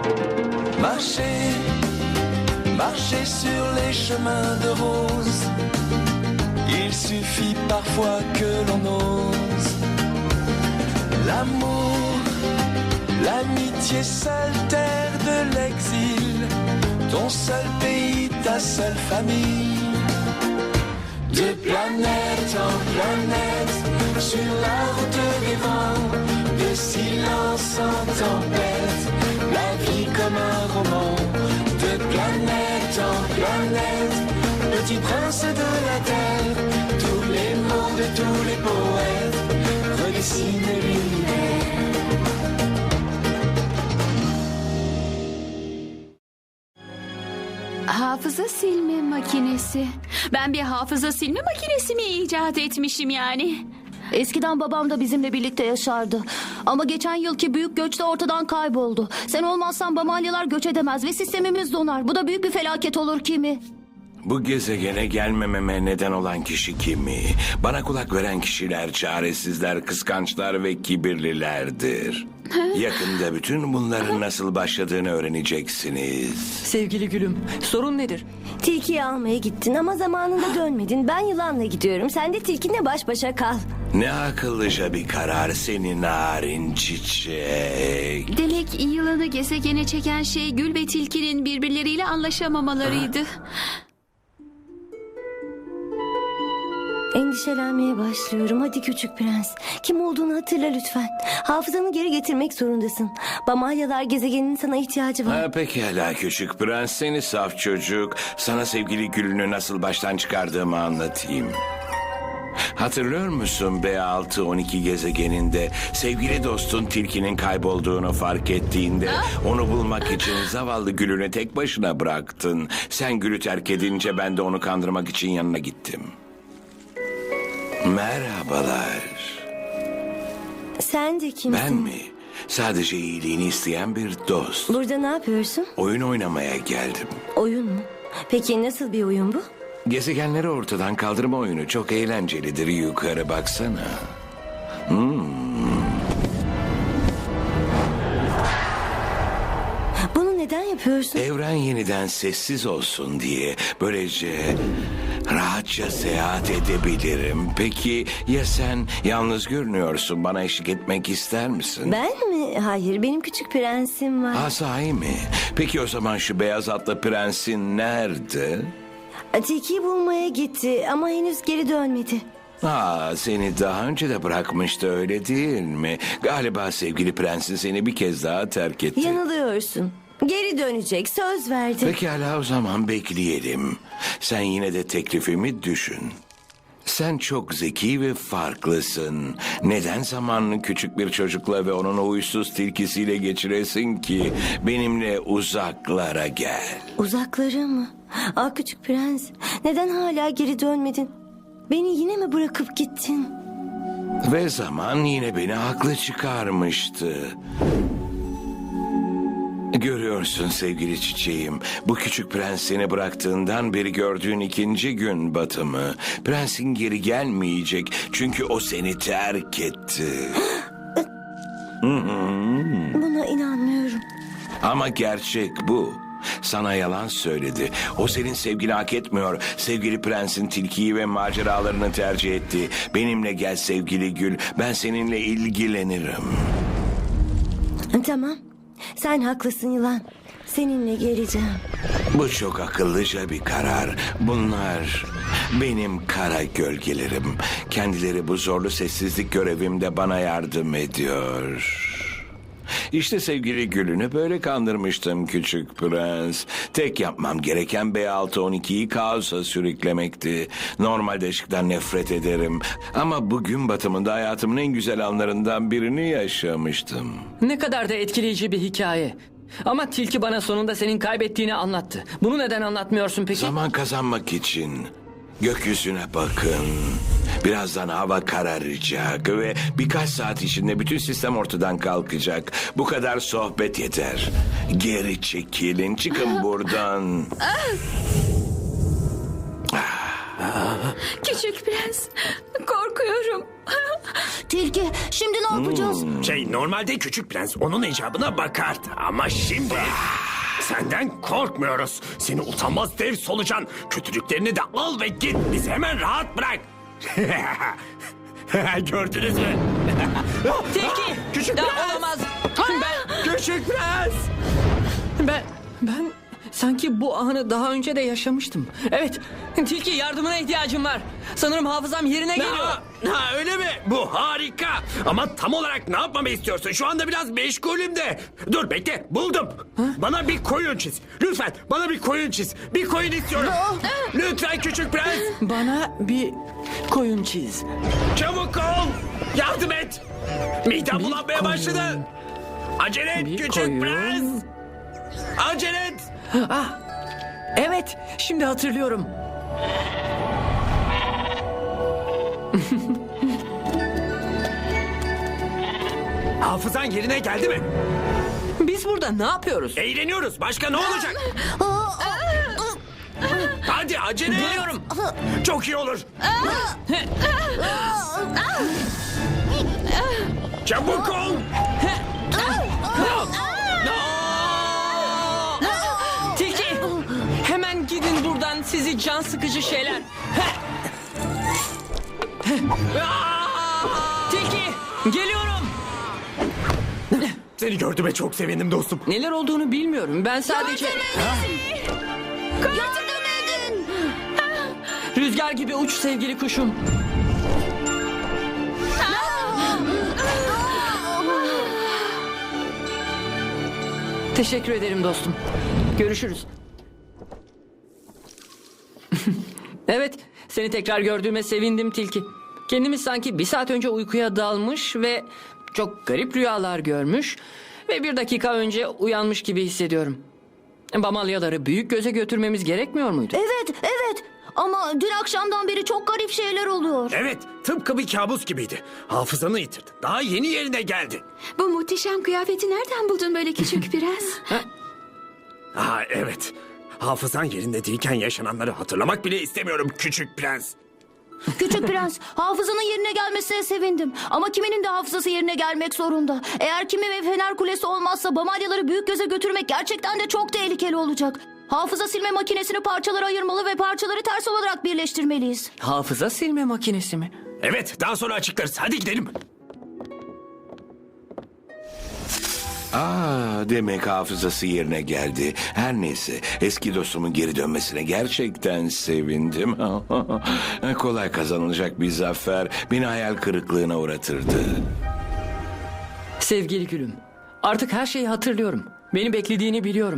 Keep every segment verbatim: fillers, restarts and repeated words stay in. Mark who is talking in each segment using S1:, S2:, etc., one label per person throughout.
S1: Marcher, marcher sur les chemins de rose. Il suffit parfois que l'on ose. L'amour, l'amitié, seule terre de l'exil. Ton seul pays, ta seule famille. De planète en planète, sur la route des vents, de silence en tempête, la vie comme un roman. De planète en planète, petit prince de la terre, tous les mots de tous les poètes redessinent l'univers.
S2: Hafıza silme makinesi. Ben bir hafıza silme makinesi mi icat etmişim yani?
S3: Eskiden babam da bizimle birlikte yaşardı. Ama geçen yılki büyük göçte ortadan kayboldu. Sen olmazsan Bamalyalar göç edemez ve sistemimiz donar. Bu da büyük bir felaket olur Kimi.
S4: Bu gezegene gelmememe neden olan kişi kimi? Bana kulak veren kişiler çaresizler, kıskançlar ve kibirlilerdir. Yakında bütün bunların nasıl başladığını öğreneceksiniz.
S5: Sevgili gülüm, sorun nedir?
S6: Tilkiyi almaya gittin ama zamanında dönmedin. Ben yılanla gidiyorum. Sen de tilkinle baş başa kal.
S4: Ne akıllıca bir karar senin narin çiçek.
S2: Demek yılanı gezegene çeken şey Gül ve Tilki'nin birbirleriyle anlaşamamalarıydı.
S6: Endişelenmeye başlıyorum. Hadi küçük prens. Kim olduğunu hatırla lütfen. Hafızanı geri getirmek zorundasın. Bamalyalar gezegeninin sana ihtiyacı var.
S4: Ha, pekala küçük prens, seni saf çocuk. Sana sevgili Gül'ünü nasıl baştan çıkardığımı anlatayım. Hatırlıyor musun B altı on iki gezegeninde sevgili dostun Tilki'nin kaybolduğunu fark ettiğinde onu bulmak için zavallı Gül'ünü tek başına bıraktın. Sen Gül'ü terk edince ben de onu kandırmak için yanına gittim. Merhabalar.
S6: Sen de kimsin?
S4: Ben mi? Sadece iyiliğini isteyen bir dost.
S6: Burada ne yapıyorsun?
S4: Oyun oynamaya geldim.
S6: Oyun mu? Peki nasıl bir oyun bu?
S4: Gezegenleri ortadan kaldırma oyunu çok eğlencelidir. Yukarı baksana. Hmm.
S6: Bunu neden yapıyorsun?
S4: Evren yeniden sessiz olsun diye böylece rahatça seyahat edebilirim. Peki ya sen? Yalnız görünüyorsun. Bana eşlik etmek ister misin?
S6: Ben mi? Hayır, benim küçük prensim var.
S4: Ha, sahi mi? Peki o zaman şu beyaz atlı prensin nerede?
S6: Tilkiyi bulmaya gitti ama henüz geri dönmedi.
S4: Aa, seni daha önce de bırakmıştı, öyle değil mi? Galiba sevgili prensin seni bir kez daha terk etti.
S6: Yanılıyorsun. Geri dönecek, söz verdi.
S4: Pekala, o zaman bekleyelim. Sen yine de teklifimi düşün. Sen çok zeki ve farklısın. Neden zamanını küçük bir çocukla ve onun huysuz tilkisiyle geçiresin ki? Benimle uzaklara gel.
S6: Uzaklara mı? Ah küçük prens, neden hala geri dönmedin? Beni yine mi bırakıp gittin?
S4: Ve zaman yine beni haklı çıkarmıştı. Görüyorsun sevgili çiçeğim, bu küçük prens seni bıraktığından beri gördüğün ikinci gün batımı. Prensin geri gelmeyecek çünkü o seni terk etti.
S6: Buna inanmıyorum.
S4: Ama gerçek bu. Sana yalan söyledi. O senin sevgini hak etmiyor. Sevgili prensin tilkiyi ve maceralarını tercih etti. Benimle gel sevgili Gül. Ben seninle ilgilenirim.
S6: Tamam. Sen haklısın yılan. Seninle geleceğim.
S4: Bu çok akıllıca bir karar. Bunlar benim kara gölgelerim. Kendileri bu zorlu sessizlik görevimde bana yardım ediyor. İşte sevgili Gül'ünü böyle kandırmıştım küçük prens. Tek yapmam gereken B altı on ikiyi kaosa sürüklemekti. Normalde ışıktan nefret ederim. Ama bugün batımında hayatımın en güzel anlarından birini yaşamıştım.
S5: Ne kadar da etkileyici bir hikaye. Ama tilki bana sonunda senin kaybettiğini anlattı. Bunu neden anlatmıyorsun peki?
S4: Zaman kazanmak için. Gökyüzüne bakın. Birazdan hava kararacak ve birkaç saat içinde bütün sistem ortadan kalkacak. Bu kadar sohbet yeter. Geri çekilin, çıkın buradan.
S2: Küçük prens, korkuyorum.
S3: Tilki, şimdi ne yapacağız?
S7: Şey, normalde Küçük Prens onun icabına bakardı ama şimdi senden korkmuyoruz. Seni utanmaz dev solucan. Kötülüklerini de al ve git. Bizi hemen rahat bırak. Gördünüz mü?
S5: Tilki!
S7: Küçük
S5: Ya,
S7: Prens!
S5: olamaz. Ben,
S7: Küçük Prens!
S5: ben, ben sanki bu anı daha önce de yaşamıştım. Evet, Tilki yardımına ihtiyacım var. Sanırım hafızam yerine geliyor.
S7: Ha, ha, öyle mi? Bu harika. Ama tam olarak ne yapmamı istiyorsun? Şu anda biraz meşgulüm de. Dur bekle, buldum. Bana bir koyun çiz. Lütfen bana bir koyun çiz. Bir koyun istiyorum. Lütfen Küçük Prens.
S5: Bana bir koyun çiz.
S7: Çabuk ol. Yardım et. Midem
S5: Bir
S7: bulanmaya
S5: koyun.
S7: başladı. Acele et
S5: Bir
S7: Küçük
S5: koyun.
S7: Prens. Acele et.
S5: Ah, evet, şimdi hatırlıyorum.
S7: Hafızan yerine geldi mi?
S5: Biz burada ne yapıyoruz?
S7: Eğleniyoruz. Başka ne olacak? Hadi acele et.
S5: Geliyorum.
S7: Çok iyi olur. Çabuk ol.
S5: Tilki, hemen gidin buradan sizi can sıkıcı şeyler. Tilki, geliyorum.
S7: Seni gördüğüme çok sevindim dostum.
S5: Neler olduğunu bilmiyorum. Ben sadece
S3: Yardım edin!
S5: rüzgar gibi uç sevgili kuşum. Teşekkür ederim dostum. Görüşürüz. Evet, seni tekrar gördüğüme sevindim Tilki. Kendimi sanki bir saat önce uykuya dalmış ve çok garip rüyalar görmüş ve bir dakika önce uyanmış gibi hissediyorum. Bamalyaları büyük göze götürmemiz gerekmiyor muydu?
S3: Evet, evet. Ama dün akşamdan beri çok garip şeyler oluyor.
S7: Evet, tıpkı bir kabus gibiydi. Hafızanı yitirdin. Daha yeni yerine geldi.
S2: Bu muhteşem kıyafeti nereden buldun böyle küçük prens?
S7: Ha evet. Hafızan yerinde değilken yaşananları hatırlamak bile istemiyorum Küçük Prens.
S3: Küçük Prens, hafızanın yerine gelmesine sevindim. Ama kiminin de hafızası yerine gelmek zorunda. Eğer kimi ve Fener Kulesi olmazsa Bamalyaları büyük göze götürmek gerçekten de çok tehlikeli olacak. Hafıza silme makinesini parçalara ayırmalı ve parçaları ters olarak birleştirmeliyiz.
S5: Hafıza silme makinesi mi?
S7: Evet, daha sonra açıklarız. Hadi gidelim.
S4: Aa, demek hafızası yerine geldi. Her neyse, eski dostumun geri dönmesine gerçekten sevindim. Kolay kazanılacak bir zafer beni hayal kırıklığına uğratırdı.
S5: Sevgili gülüm, artık her şeyi hatırlıyorum. Beni beklediğini biliyorum.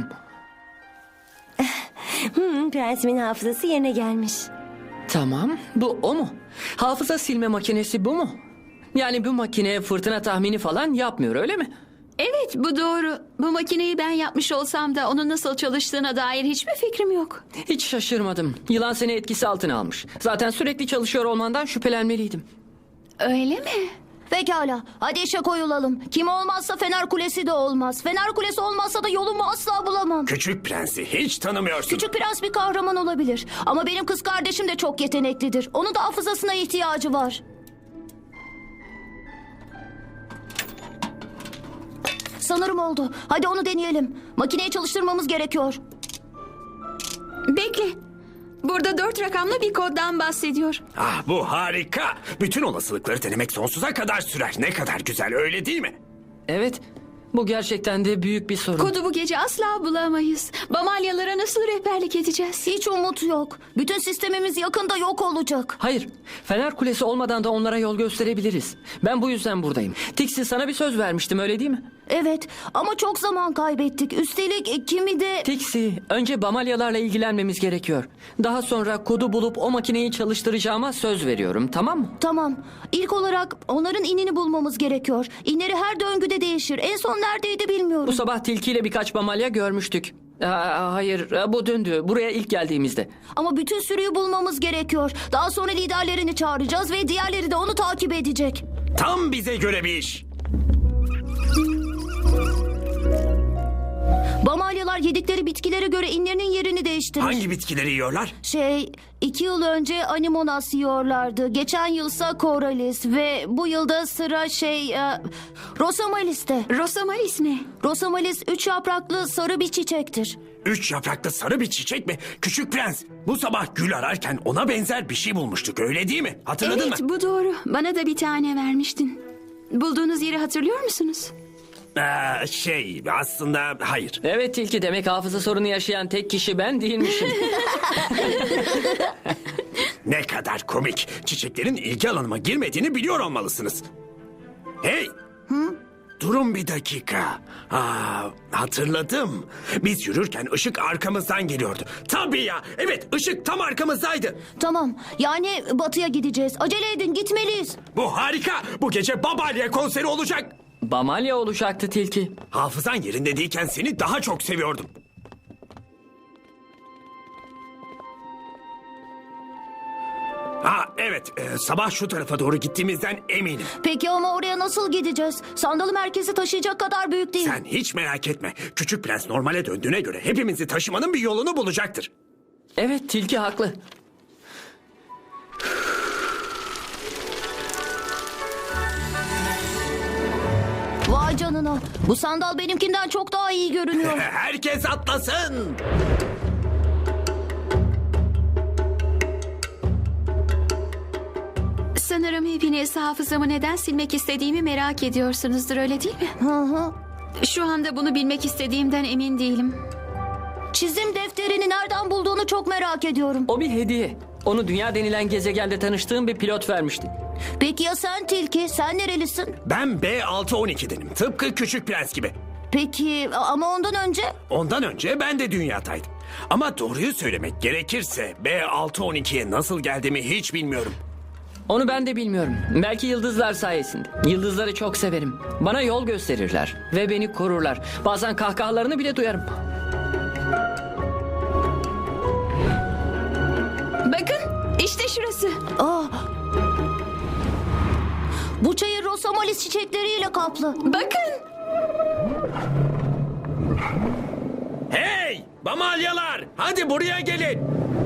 S6: Hmm, prensimin hafızası yerine gelmiş.
S5: Tamam, bu o mu? Hafıza silme makinesi bu mu? Yani bu makine fırtına tahmini falan yapmıyor, öyle mi?
S2: Evet, bu doğru. Bu makineyi ben yapmış olsam da onun nasıl çalıştığına dair hiçbir fikrim yok.
S5: Hiç şaşırmadım. Yılan seni etkisi altına almış. Zaten sürekli çalışıyor olmandan şüphelenmeliydim.
S2: Öyle mi?
S3: Pekala, hadi işe koyulalım. Kim olmazsa Fener Kulesi de olmaz. Fener Kulesi olmazsa da yolumu asla bulamam.
S7: Küçük Prens'i hiç tanımıyorsun.
S3: Küçük Prens bir kahraman olabilir. Ama benim kız kardeşim de çok yeteneklidir. Onun da hafızasına ihtiyacı var. Sanırım oldu. Hadi onu deneyelim. Makineyi çalıştırmamız gerekiyor.
S2: Bekle. Burada dört rakamlı bir koddan bahsediyor.
S7: Ah, bu harika. Bütün olasılıkları denemek sonsuza kadar sürer. Ne kadar güzel, öyle değil mi?
S5: Evet, bu gerçekten de büyük bir sorun.
S2: Kodu bu gece asla bulamayız. Bamalyalara nasıl rehberlik edeceğiz?
S3: Hiç umut yok. Bütün sistemimiz yakında yok olacak.
S5: Hayır, Fener Kulesi olmadan da onlara yol gösterebiliriz. Ben bu yüzden buradayım. Tixi, sana bir söz vermiştim, öyle değil mi?
S3: Evet ama çok zaman kaybettik. Üstelik e, kimi de...
S5: Tixi, önce Bamalyalarla ilgilenmemiz gerekiyor. Daha sonra kodu bulup o makineyi çalıştıracağıma söz veriyorum, tamam mı?
S3: Tamam. İlk olarak onların inini bulmamız gerekiyor. İnleri her döngüde değişir. En son neredeydi bilmiyorum.
S5: Bu sabah Tilki ile birkaç Bamalya görmüştük. Aa, hayır, bu dündü. Buraya ilk geldiğimizde.
S3: Ama bütün sürüyü bulmamız gerekiyor. Daha sonra liderlerini çağıracağız ve diğerleri de onu takip edecek.
S7: Tam bize göre bir iş.
S3: Bamalyalar Bamalyalar yedikleri bitkilere göre inlerinin yerini değiştirir.
S7: Hangi bitkileri yiyorlar?
S3: Şey, iki yıl önce Animonas yiyorlardı. Geçen yılsa Koralis ve bu yılda sıra şey... E, Rosamalis'te.
S2: Rosamalis ne?
S3: Rosamalis üç yapraklı sarı bir çiçektir.
S7: Üç yapraklı sarı bir çiçek mi? Küçük prens. Bu sabah gül ararken ona benzer bir şey bulmuştuk, öyle değil mi? Hatırladın
S2: Evet,
S7: mı?
S2: bu doğru. Bana da bir tane vermiştin. Bulduğunuz yeri hatırlıyor musunuz?
S7: Ee, şey aslında hayır.
S5: Evet Tilki, demek hafıza sorunu yaşayan tek kişi ben değilmişim.
S7: Ne kadar komik. Çiçeklerin ilgi alanıma girmediğini biliyor olmalısınız. Hey! Durun bir dakika. Aa, hatırladım. Biz yürürken ışık arkamızdan geliyordu. Tabii ya. Evet, ışık tam arkamızdaydı.
S3: Tamam, yani batıya gideceğiz. Acele edin, gitmeliyiz.
S7: Bu harika. Bu gece Babalya konseri olacak.
S5: Bamalya olacaktı Tilki.
S7: Hafızan yerinde değilken seni daha çok seviyordum. Ha evet, e, sabah şu tarafa doğru gittiğimizden eminim.
S3: Peki ama oraya nasıl gideceğiz? Sandalı merkezi taşıyacak kadar büyük değil.
S7: Sen hiç merak etme. Küçük prens normale döndüğüne göre hepimizi taşımanın bir yolunu bulacaktır.
S5: Evet, Tilki haklı.
S3: Vay canına. Bu sandal benimkinden çok daha iyi görünüyor.
S7: Herkes atlasın.
S2: Sanırım hepiniz hafızamı neden silmek istediğimi merak ediyorsunuzdur, öyle değil mi?
S3: Hı hı.
S2: Şu anda bunu bilmek istediğimden emin değilim.
S3: Çizim defterini nereden bulduğunu çok merak ediyorum.
S5: O bir hediye. Onu dünya denilen gezegende tanıştığım bir pilot vermişti.
S3: Peki ya sen Tilki? Sen nerelisin?
S7: Ben B altı on iki'denim. Tıpkı Küçük Prens gibi.
S3: Peki ama ondan önce?
S7: Ondan önce ben de dünyadaydım. Ama doğruyu söylemek gerekirse B altı on iki'ye nasıl geldiğimi hiç bilmiyorum.
S5: Onu ben de bilmiyorum. Belki yıldızlar sayesinde. Yıldızları çok severim. Bana yol gösterirler ve beni korurlar. Bazen kahkahalarını bile duyarım.
S2: Bakın, işte şurası.
S3: Aa. Bu çayır Rosamalis çiçekleriyle kaplı.
S2: Bakın.
S7: Hey! Bamalyalar! Hadi buraya gelin!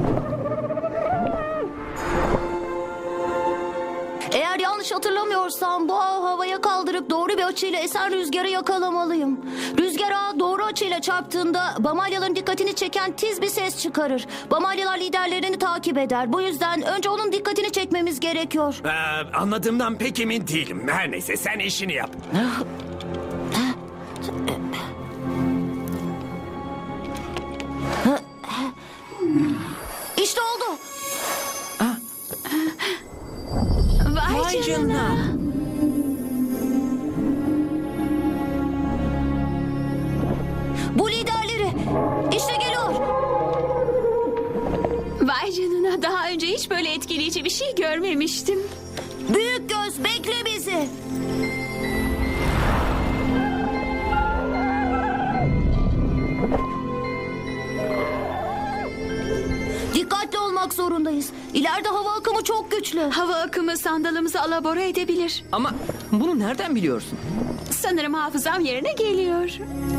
S3: Eğer yanlış hatırlamıyorsam bu ağı havaya kaldırıp doğru bir açıyla esen rüzgarı yakalamalıyım. Rüzgar ağı doğru açıyla çarptığında Bamalyaların dikkatini çeken tiz bir ses çıkarır. Bamalyalar liderlerini takip eder. Bu yüzden önce onun dikkatini çekmemiz gerekiyor.
S7: Ee, anladığımdan pek emin değilim. Her neyse sen işini yap.
S3: İşte oldu.
S2: Vay, canına.
S3: Bu liderleri. İşte geliyor.
S2: Vay canına, daha önce hiç böyle etkileyici bir şey görmemiştim.
S3: Büyük göz bekle bizi. Dikkatli olmak zorundayız. İleride hava akımı çok güçlü.
S2: Hava akımı sandalımızı alabora edebilir.
S5: Ama bunu nereden biliyorsun?
S2: Sanırım hafızam yerine geliyor.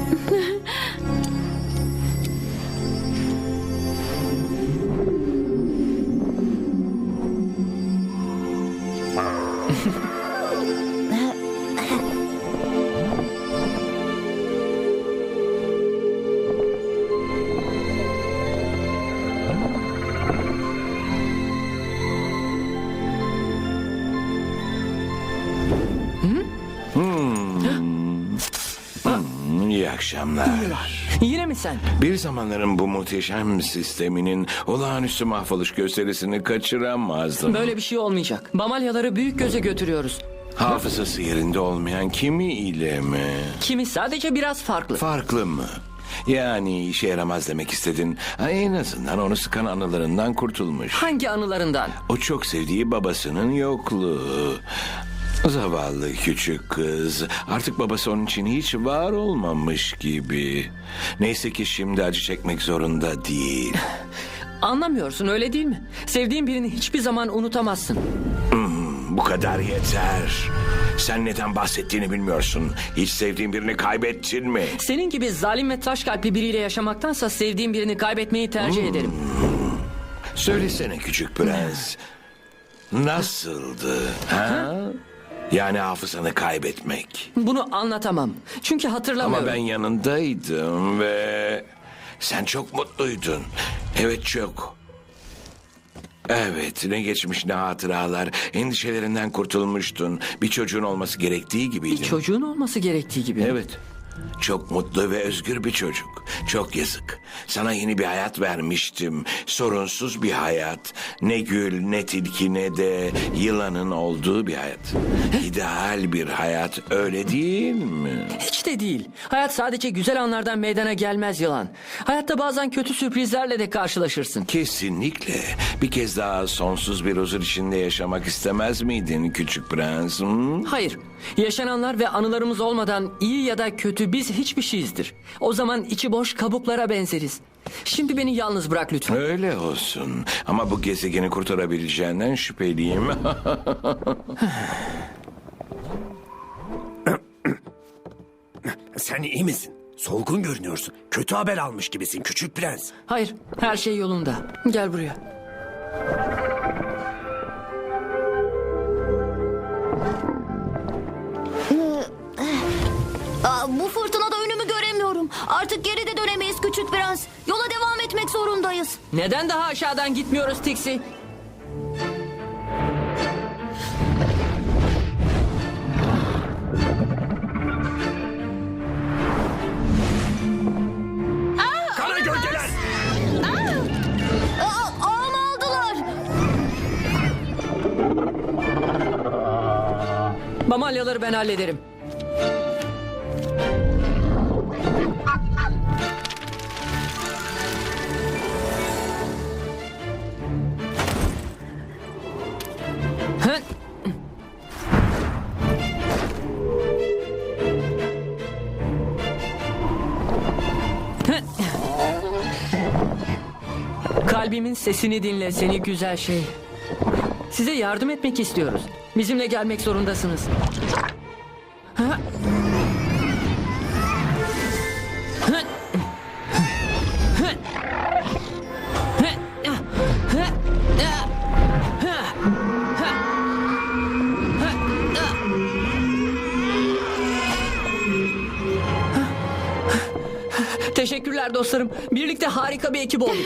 S4: İyi akşamlar.
S5: Yine mi sen?
S4: Bir zamanların bu muhteşem sisteminin olağanüstü mahvoluş gösterisini kaçıramazdım.
S5: Böyle bir şey olmayacak. Bamalyaları büyük göze götürüyoruz.
S4: Hafızası yerinde olmayan kimi ile mi?
S5: Kimi sadece biraz farklı.
S4: Farklı mı? Yani işe yaramaz demek istedin. Ha, en azından onu sıkan anılarından kurtulmuş.
S5: Hangi anılarından?
S4: O çok sevdiği babasının yokluğu. Zavallı küçük kız. Artık babası onun için hiç var olmamış gibi. Neyse ki şimdi acı çekmek zorunda değil.
S5: Anlamıyorsun, öyle değil mi? Sevdiğin birini hiçbir zaman unutamazsın.
S4: Bu kadar yeter. Sen neden bahsettiğini bilmiyorsun. Hiç sevdiğin birini kaybettin mi?
S5: Senin gibi zalim ve taş kalpli biriyle yaşamaktansa sevdiğim birini kaybetmeyi tercih ederim.
S4: Söylesene küçük prens. Nasıldı? Ha? Yani hafızanı kaybetmek.
S5: Bunu anlatamam. Çünkü hatırlamıyorum.
S4: Ama ben yanındaydım ve sen çok mutluydun. Evet, çok. Evet, ne geçmiş ne hatıralar. Endişelerinden kurtulmuştun. Bir çocuğun olması gerektiği gibiydi.
S5: Bir çocuğun olması gerektiği gibi.
S4: Evet. Çok mutlu ve özgür bir çocuk. Çok yazık. Sana yeni bir hayat vermiştim. Sorunsuz bir hayat. Ne gül, ne tilki, ne de yılanın olduğu bir hayat. İdeal bir hayat, öyle değil mi?
S5: Hiç de değil. Hayat sadece güzel anlardan meydana gelmez yılan. Hayatta bazen kötü sürprizlerle de karşılaşırsın.
S4: Kesinlikle. Bir kez daha sonsuz bir huzur içinde yaşamak istemez miydin küçük prens? hı?
S5: Hayır. Yaşananlar ve anılarımız olmadan iyi ya da kötü biz hiçbir şeyizdir. O zaman içi boş kabuklara benzeriz. Şimdi beni yalnız bırak lütfen.
S4: Öyle olsun. Ama bu gezegeni kurtarabileceğinden şüpheliyim.
S7: Sen iyi misin? Solgun görünüyorsun. Kötü haber almış gibisin küçük prens.
S5: Hayır, her şey yolunda. Gel buraya.
S3: Aa, bu fırtınada önümü göremiyorum. Artık geri de dönemeyiz küçük prens. Yola devam etmek zorundayız.
S5: Neden daha aşağıdan gitmiyoruz Tixi?
S7: Kara gölgeler!
S3: Aa, ağımı aldılar.
S5: Mamalyaları ben hallederim. Hı? Hı? Kalbimin sesini dinle seni güzel şey. Size yardım etmek istiyoruz. Bizimle gelmek zorundasınız. Ha? Hı? Hı? Hı? Hı? Hı? Teşekkürler dostlarım. Birlikte harika bir ekip olduk.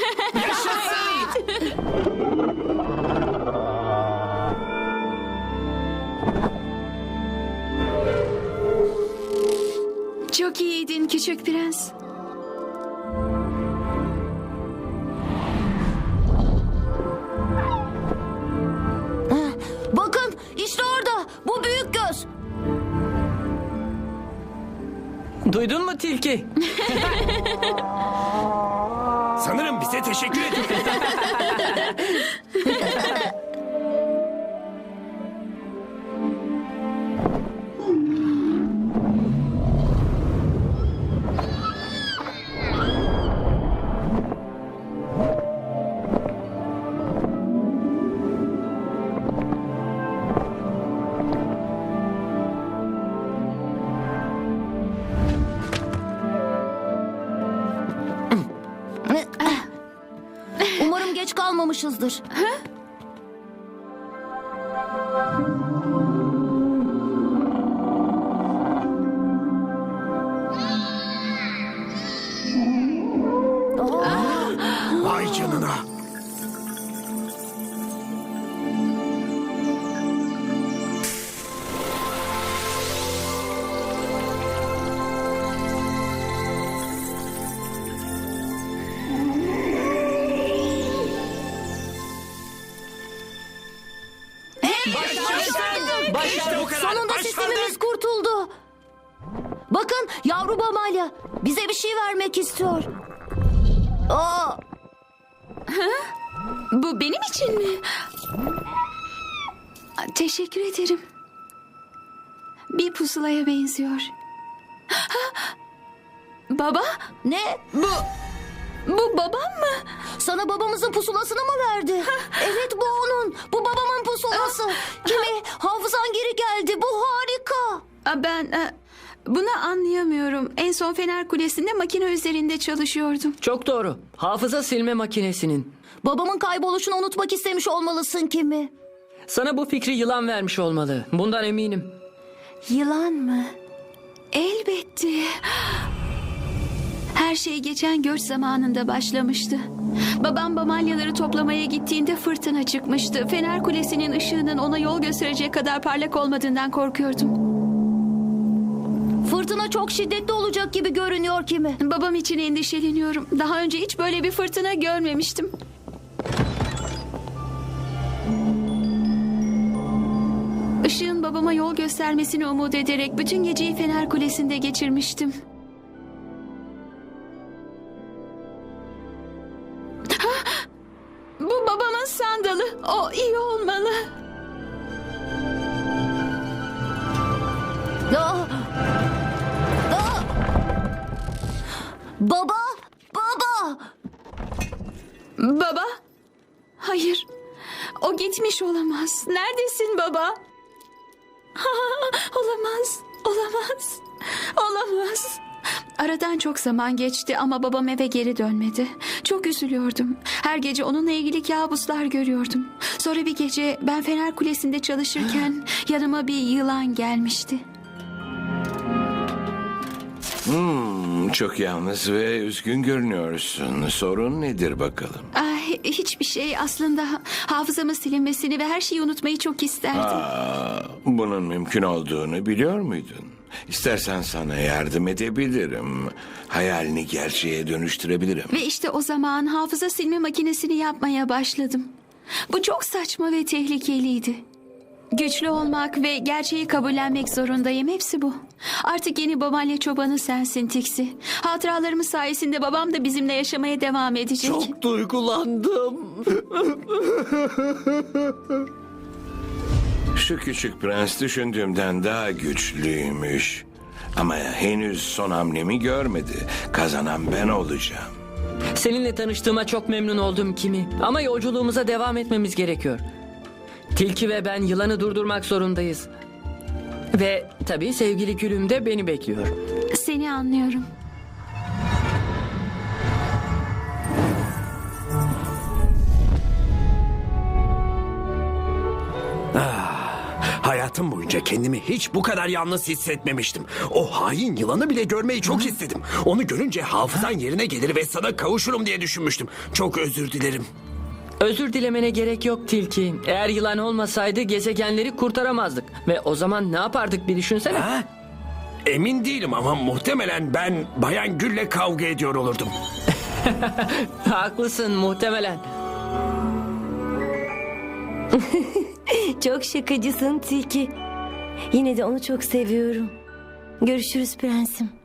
S2: Çok iyiydin küçük prens.
S3: Bakın işte orada. Bu büyük göz.
S5: Duydun mu tilki?
S7: Sanırım bize teşekkür ediyor.
S3: Umarım geç kalmamışızdır.
S7: Vay canına. İşte o kadar.
S3: Sonunda
S7: Başardık.
S3: sistemimiz kurtuldu. Bakın yavru Bamalya bize bir şey vermek istiyor. Aa,
S2: Bu benim için mi? Teşekkür ederim. Bir pusulaya benziyor. Ha! Baba,
S3: ne?
S2: bu Bu babam mı?
S3: Sana babamızın pusulasını mı verdi? Evet, bu onun. Bu babamın pusulası. Kimi? Hafızan geri geldi. Bu harika.
S2: Aa, Ben e, bunu anlayamıyorum. En son Fener Kulesi'nde makine üzerinde çalışıyordum.
S5: Çok doğru. Hafıza silme makinesinin.
S3: Babamın kayboluşunu unutmak istemiş olmalısın Kimi.
S5: Sana bu fikri yılan vermiş olmalı. Bundan eminim.
S6: Yılan mı?
S2: Elbette. Her şey geçen göç zamanında başlamıştı. Babam bamalyaları toplamaya gittiğinde fırtına çıkmıştı. Fener Kulesi'nin ışığının ona yol gösterecek kadar parlak olmadığından korkuyordum.
S3: Fırtına çok şiddetli olacak gibi görünüyor Kimi.
S2: Babam için endişeleniyorum. Daha önce hiç böyle bir fırtına görmemiştim. Işığın babama yol göstermesini umut ederek bütün geceyi Fener Kulesi'nde geçirmiştim. Hah! Bu babamın sandalı. O iyi olmalı.
S3: Aa! Aa! Baba! Baba!
S2: Baba? Hayır. O gitmiş olamaz. Neredesin baba? Olamaz. Olamaz. Olamaz. Aradan çok zaman geçti ama babam eve geri dönmedi. Çok üzülüyordum. Her gece onunla ilgili kabuslar görüyordum. Sonra bir gece ben Fener Kulesi'nde çalışırken yanıma bir yılan gelmişti.
S4: Hmm, çok yalnız ve üzgün görünüyorsun. Sorun nedir bakalım?
S2: Ay, hiçbir şey, aslında hafızamın silinmesini ve her şeyi unutmayı çok isterdim.
S4: Aa, bunun mümkün olduğunu biliyor muydun? İstersen sana yardım edebilirim. Hayalini gerçeğe dönüştürebilirim.
S2: Ve işte o zaman hafıza silme makinesini yapmaya başladım. Bu çok saçma ve tehlikeliydi. Güçlü olmak ve gerçeği kabullenmek zorundayım. Hepsi bu. Artık yeni babaanne çobanı sensin Tixi. Hatıralarımız sayesinde babam da bizimle yaşamaya devam edecek.
S7: Çok duygulandım.
S4: Şu küçük prens düşündüğümden daha güçlüymüş. Ama henüz son hamlemi görmedi. Kazanan ben olacağım.
S5: Seninle tanıştığıma çok memnun oldum Kimi. Ama yolculuğumuza devam etmemiz gerekiyor. Tilki ve ben yılanı durdurmak zorundayız. Ve tabii sevgili gülüm de beni bekliyor.
S2: Seni anlıyorum.
S7: Hayatım boyunca kendimi hiç bu kadar yalnız hissetmemiştim. O hain yılanı bile görmeyi çok istedim. Onu görünce hafızan yerine gelir ve sana kavuşurum diye düşünmüştüm. Çok özür dilerim.
S5: Özür dilemene gerek yok Tilki. Eğer yılan olmasaydı gezegenleri kurtaramazdık. Ve o zaman ne yapardık bir düşünsene.
S7: Ha? Emin değilim ama muhtemelen ben Bayan Gül'le kavga ediyor olurdum.
S5: Haklısın muhtemelen.
S6: Çok şakacısın Tilki. Yine de onu çok seviyorum. Görüşürüz prensim.